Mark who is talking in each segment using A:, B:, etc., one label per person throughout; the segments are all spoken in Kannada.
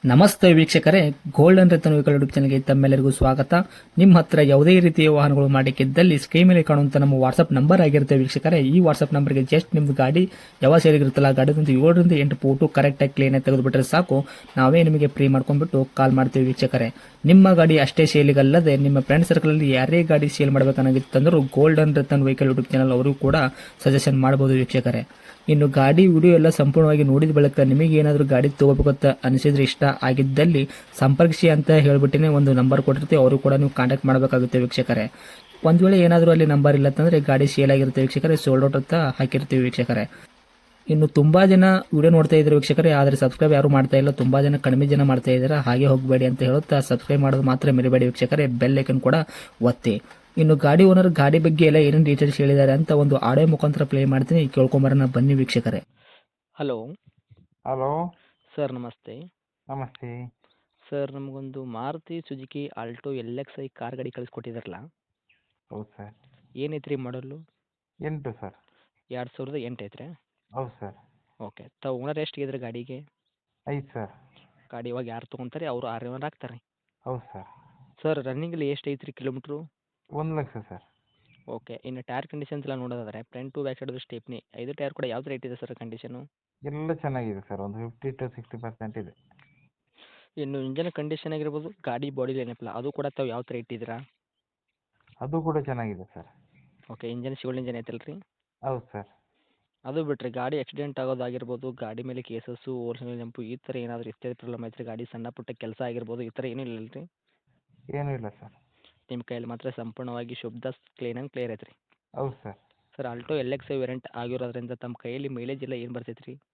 A: ನಮಸ್ತೆ ವೀಕ್ಷಕರೇ, ಗೋಲ್ಡನ್ ರತನ್ ವೆಹಿಕಲ್ ಯೂಟ್ಯೂಬ್ ಚಾನಲ್ಗೆ ತಮ್ಮೆಲ್ಲರಿಗೂ ಸ್ವಾಗತ. ನಿಮ್ಮ ಹತ್ರ ಯಾವುದೇ ರೀತಿಯ ವಾಹನಗಳು ಮಾಡಿಕ್ಕಿದ್ದಲ್ಲಿ ಸ್ಕ್ರೀನ್ ಮೇಲೆ ಕಾಣುವಂತ ನಮ್ಮ ವಾಟ್ಸ್ಆಪ್ ನಂಬರ್ ಆಗಿರುತ್ತೆ ವೀಕ್ಷಕರೇ. ಈ ವಾಟ್ಸ್ಆಪ್ ನಂಬರ್ಗೆ ಜಸ್ಟ್ ನಿಮ್ದು ಗಾಡಿ ಯಾವ ಸೇರಿಗಿರುತ್ತಲ್ಲ ಗಾಡಿದಂತ 7ರಿಂದ 8 ಫೋಟೋ ಕರೆಕ್ಟಾಗಿ ಕ್ಲೀನ್ ಆಗಿ ತೆಗೆದುಬಿಟ್ರೆ ಸಾಕು, ನಾವೇ ನಿಮಗೆ ಫ್ರೀ ಮಾಡ್ಕೊಂಡ್ಬಿಟ್ಟು ಕಾಲ್ ಮಾಡ್ತೀವಿ ವೀಕ್ಷಕರೇ. ನಿಮ್ಮ ಗಾಡಿ ಅಷ್ಟೇ ಸೇಲಿಗಲ್ಲದೆ ನಿಮ್ಮ ಫ್ರೆಂಡ್ ಸರ್ಕಲ್ ಅಲ್ಲಿ ಯಾರೇ ಗಾಡಿ ಸೇಲ್ ಮಾಡಬೇಕನ್ನಾಗಿತ್ತಂದ್ರೂ golden Ratan vehicle YouTube channel ಅವರು ಕೂಡ ಸಜೆಷನ್ ಮಾಡಬಹುದು ವೀಕ್ಷಕರೇ. ಇನ್ನು ಗಾಡಿ ವಿಡಿಯೋ ಎಲ್ಲ ಸಂಪೂರ್ಣವಾಗಿ ನೋಡಿದ ಬಳಿಕ ನಿಮಗೆ ಏನಾದರೂ ಗಾಡಿ ತಗೋಬೇಕಂತ ಅನಿಸಿದ್ರೆ, ಇಷ್ಟ ಆಗಿದ್ದಲ್ಲಿ ಸಂಪರ್ಕಿಸಿ ಅಂತ ಹೇಳ್ಬಿಟ್ಟಿನೇ ಒಂದು ನಂಬರ್ ಕೊಟ್ಟಿರ್ತೀವಿ, ಅವರು ಕೂಡ ನೀವು ಕಾಂಟ್ಯಾಕ್ಟ್ ಮಾಡಬೇಕಾಗುತ್ತೆ ವೀಕ್ಷಕರೇ. ಒಂದು ವೇಳೆ ಏನಾದರೂ ಅಲ್ಲಿ ನಂಬರ್ ಇಲ್ಲ ಅಂತಂದರೆ ಗಾಡಿ ಸೇಲ್ ಆಗಿರುತ್ತೆ ವೀಕ್ಷಕರೇ, ಸೋಲ್ಡ್ ಔಟ್ ಅಂತ ಹಾಕಿರ್ತೀವಿ ವೀಕ್ಷಕರೇ. ಇನ್ನು ತುಂಬಾ ಜನ ವಿಡಿಯೋ ನೋಡ್ತಾ ಇದ್ದಾರೆ ವೀಕ್ಷಕರೇ, ಆದರೆ ಸಬ್ಸ್ಕ್ರೈಬ್ ಯಾರು ಮಾಡ್ತಾ ಇಲ್ಲ, ತುಂಬಾ ಜನ ಕಡಿಮೆ ಜನ ಮಾಡ್ತಾ ಇದ್ದಾರೆ. ಹಾಗೆ ಹೋಗಬೇಡಿ ಅಂತ ಹೇಳುತ್ತಾ ಸಬ್ಸ್ಕ್ರೈಬ್ ಮಾಡೋದು ಮಾತ್ರ ಮರಿಬೇಡಿ ವೀಕ್ಷಕರೇ, ಬೆಲ್ ಐಕನ್ ಕೂಡ ಒತ್ತಿ. ಇನ್ನು ಗಾಡಿ ಓನರ್ ಗಾಡಿ ಬಗ್ಗೆ ಎಲ್ಲ ಏನೇನು ಡೀಟೇಲ್ಸ್ ಹೇಳಿದ್ದಾರೆ ಅಂತ ಒಂದು ಆಡಿಯೋ ಮುಖಾಂತರ ಪ್ಲೇ ಮಾಡ್ತೀನಿ, ಕೇಳ್ಕೊಂಬರೋಣ ಬನ್ನಿ ವೀಕ್ಷಕರೇ. ಹಲೋ
B: ಹಲೋ
A: ಸರ್, ನಮಸ್ತೆ.
B: ನಮಸ್ತೆ.
A: ಸರ್, ನಮಗೊಂದು Maruti Suzuki Alto LXi car ಗಾಡಿ ಕಳಿಸ್ಕೊಟ್ಟಿದ್ರಲ್ಲ,
B: ಹೌದು ಸರ್.
A: ಏನೈತ್ರಿ ಮಾಡಲು?
B: 8 ಸರ್.
A: 2008 ಐತ್ರಿ?
B: ಹೌದು ಸರ್.
A: ಓಕೆ. ತಾವು ಓನರ್ ಎಷ್ಟಿದ್ರೆ ಗಾಡಿಗೆ?
B: 5 ಸರ್.
A: ಗಾಡಿ ಇವಾಗ ಯಾರು ತೊಗೊಂತಾರೆ ಅವರು ಓನರ್ ಆಗ್ತಾರೆ?
B: ಹೌದು ಸರ್.
A: ಸರ್, ರನ್ನಿಂಗಲ್ಲಿ ಎಷ್ಟು ಐತ್ರಿ ಕಿಲೋಮೀಟ್ರು?
B: 1 ಲಕ್ಷ ಸರ್.
A: ಓಕೆ. ಇನ್ನು ಟೈರ್ ಕಂಡೀಷನ್ಸ್ ಎಲ್ಲ ನೋಡೋದಾದ್ರೆ front to back side stepney 5 tyre ಕೂಡ ಯಾವ್ದು ರೇಟ್ ಇದೆ ಸರ್ ಕಂಡೀಷನು?
B: ಎಲ್ಲ ಚೆನ್ನಾಗಿದೆ ಸರ್, ಒಂದು 50 to 60% ಇದೆ.
A: ಇನ್ನು ಇಂಜನ್ ಕಂಡೀಷನ್ ಆಗಿರ್ಬೋದು, ಗಾಡಿ ಬಾಡಿ ಏನಪ್ಪಲ್ಲ ಅದು ಕೂಡ ತಾವು ಯಾವ ಥರ ಇಟ್ಟಿದ್ದೀರಾ?
B: ಅದು ಕೂಡ ಚೆನ್ನಾಗಿದೆ ಸರ್.
A: ಓಕೆ. ಇಂಜನ್ ಶಿವಲ್ ಇಂಜನ್ ಐತಲ್ರಿ?
B: ಹೌದು ಸರ್.
A: ಅದು ಬಿಟ್ಟರೆ ಗಾಡಿ ಆಕ್ಸಿಡೆಂಟ್ ಆಗೋದಾಗಿರ್ಬೋದು, ಗಾಡಿ ಮೇಲೆ ಕೇಸಸ್ಸು, ಓರ್ಜಿನಲ್ ಜಂಪು ಈ ಥರ ಏನಾದರೂ ಇಷ್ಟೇ ಪ್ರಾಬ್ಲಮ್ ಐತ್ರಿ, ಗಾಡಿ ಸಣ್ಣ ಪುಟ್ಟ ಕೆಲಸ ಆಗಿರ್ಬೋದು, ಈ ಥರ ಏನೂ ಇಲ್ಲಲ್ರಿ?
B: ಏನೂ ಇಲ್ಲ ಸರ್.
A: ನಿಮ್ಮ ಕೈಯಲ್ಲಿ ಮಾತ್ರ ಸಂಪೂರ್ಣವಾಗಿ ಶುದ್ಧ ಕ್ಲಿಯರ್ ಐತ್ರಿ?
B: ಹೌದು sir.
A: Sir, Alto LXi variant ಆಗಿರೋದ್ರಿಂದ ತಮ್ಮ ಕೈಯಲ್ಲಿ ಮೈಲೇಜ್ ಎಲ್ಲ ಏನು ಬರ್ತೈತೆ ರೀ?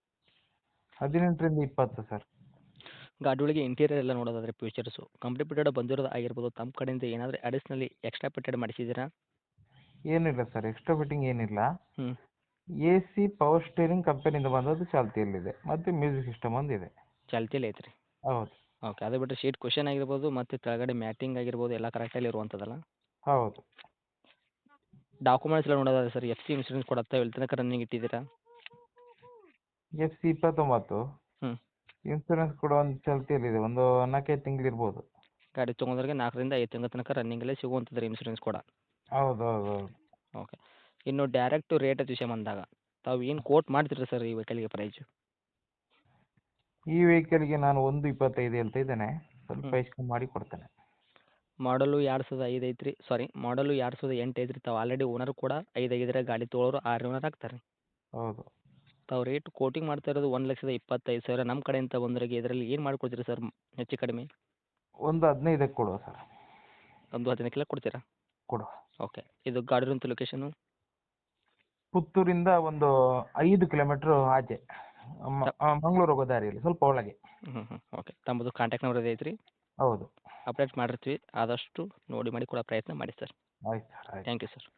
B: 18ರಿಂದ 20 ಸರ್.
A: ಗಾಡಿ ಒಳಗೆ ಇಂಟೀರಿಯರ್ ಎಲ್ಲ ನೋಡೋದಾದ್ರೆ ಫ್ಯೂಚರ್ಸು ಕಂಪ್ಲೀಟ್ ಫಿಟೆಡ್ ಬಂದಿರೋದು ಆಗಿರ್ಬೋದು, ತಮ್ಮ ಕಡೆಯಿಂದ ಏನಾದರೂ ಅಡಿಷ್ನಲಿ ಎಕ್ಸ್ಟ್ರಾ ಫಿಟೆಡ್ ಮಾಡಿಸಿದ್ದೀರಾ?
B: ಏನಿಲ್ಲ ಸರ್, ಎಕ್ಸ್ಟ್ರಾ ಫಿಟ್ಟಿಂಗ್ ಏನಿಲ್ಲ.
A: ಹ್ಞೂ.
B: AC ಪವರ್ ಸ್ಟೀರಿಂಗ್ ಕಂಪನಿಯಿಂದ ಬಂದದ್ದು ಚಾಲ್ತಿಯಲ್ಲಿದೆ, ಮತ್ತು ಮ್ಯೂಸಿಕ್ ಸಿಸ್ಟಮ್ ಒಂದಿದೆ.
A: ಚಾಲ್ತಿಯಲ್ಲಿ ಐತ್ರಿ?
B: ಹೌದು.
A: ಓಕೆ. ಅದು ಬಿಟ್ಟರೆ ಶೀಟ್ ಕ್ವಶನ್ ಆಗಿರ್ಬೋದು ಮತ್ತು ಕೆಳಗಡೆ ಮ್ಯಾಟಿಂಗ್ ಆಗಿರ್ಬೋದು ಎಲ್ಲ ಕರೆಕ್ಟಲ್ಲಿ ಇರುವಂಥದ್ದಲ್ಲ?
B: ಹೌದು.
A: ಡಾಕ್ಯುಮೆಂಟ್ಸ್ ಎಲ್ಲ ನೋಡೋದಾದ್ರೆ ಸರ್, FC ಇನ್ಶೂರೆನ್ಸ್ ಕೊಡುತ್ತೆ, ಎಲ್ಲಿ ತನಕ ರನ್ನಿಂಗ್ ಇಟ್ಟಿದ್ದೀರಾ?
B: FC 29.
A: ಹ್ಞೂ.
B: ಇನ್ಸೂರೆನ್ಸ್ ಕೂಡ ಒಂದು ಚಾಲ್ತಿಯಲ್ಲಿದೆ, ಒಂದು 4-5 ತಿಂಗಳು ಇರ್ಬೋದು.
A: ಗಾಡಿ ತೊಗೊಂಡ್ರಿಗೆ 4ರಿಂದ 5 ತಿಂಗಳ ತನಕ ರನ್ನಿಂಗಲ್ಲೇ ಸಿಗುವಂಥದ್ದು ರೀ ಇನ್ಶೂರೆನ್ಸ್ ಕೂಡ?
B: ಹೌದು ಹೌದು ಹೌದು.
A: ಓಕೆ. ಇನ್ನು ಡೈರೆಕ್ಟು ರೇಟ್ ವಿಷಯ ಬಂದಾಗ ತಾವು ಏನು ಕೋಟ್ ಮಾಡ್ತೀರಾ ಸರ್ ಈ ವೆಹಿಕಲ್ಗೆ ಪ್ರೈಸು?
B: ಈ ವೆಹಿಕಲ್ಗೆ ನಾನು 1.25 ಹೇಳ್ತಾ ಇದ್ದೇನೆ, ಸ್ವಲ್ಪ
A: ಹ್ಞೂ.
B: ಹೆಚ್ಚು ಕಮ್ಮಿ ಮಾಡಿ ಕೊಡ್ತೇನೆ.
A: ಮಾಡಲು 2005 ಐತ್ರಿ, ಸಾರಿ ಮಾಡಲು 2008 ಐತ್ರಿ. ತಾವು ಆಲ್ರೆಡಿ ಓನರ್ ಕೂಡ 5 ಆಗಿದ್ರೆ, ಗಾಡಿ ತೊಗೊಳೋರು 6 ಓನರ್ ಆಗ್ತಾರೆ.
B: ಹೌದು.
A: ತಾವು ರೇಟ್ ಕೋಟಿಂಗ್ ಮಾಡ್ತಾ ಇರೋದು 1,25,000. ನಮ್ಮ ಕಡೆಯಿಂದ ಬಂದವರಿಗೆ ಇದರಲ್ಲಿ ಏನು ಮಾಡಿಕೊಡ್ತೀರಾ ಸರ್ ಹೆಚ್ಚು ಕಡಿಮೆ?
B: ಒಂದು 15ಕ್ಕೆ ಕೊಡುವ ಸರ್.
A: ಒಂದು 15 ಕೊಡ್ತೀರಾ?
B: ಕೊಡುವ.
A: ಓಕೆ. ಇದು ಗಾಡಿ ಇರುವಂಥ ಲೊಕೇಶನು?
B: ಪುತ್ತೂರಿಂದ ಒಂದು 5 ಕಿಲೋಮೀಟ್ರ್ ಆಚೆ, ಮಂಗಳೂರು ಹೋಗೋ ದಾರಿಯಲ್ಲಿ ಸ್ವಲ್ಪ ಒಳಗೆ.
A: ಹ್ಞೂ ಹ್ಞೂ. ಓಕೆ. ತಮ್ಮದು ಕಾಂಟ್ಯಾಕ್ಟ್ ನಂಬರ್ ಇದೆ ಐತ್ರಿ?
B: ಹೌದು.
A: ಅಪ್ಡೇಟ್ ಮಾಡಿರ್ತೀವಿ, ಆದಷ್ಟು ನೋಡಿ ಮಾಡಿ ಕೊಡೋ ಪ್ರಯತ್ನ ಮಾಡಿ ಸರ್.
B: ಆಯ್ತು ಸರ್, ಆಯ್ತು.
A: Thank you sir.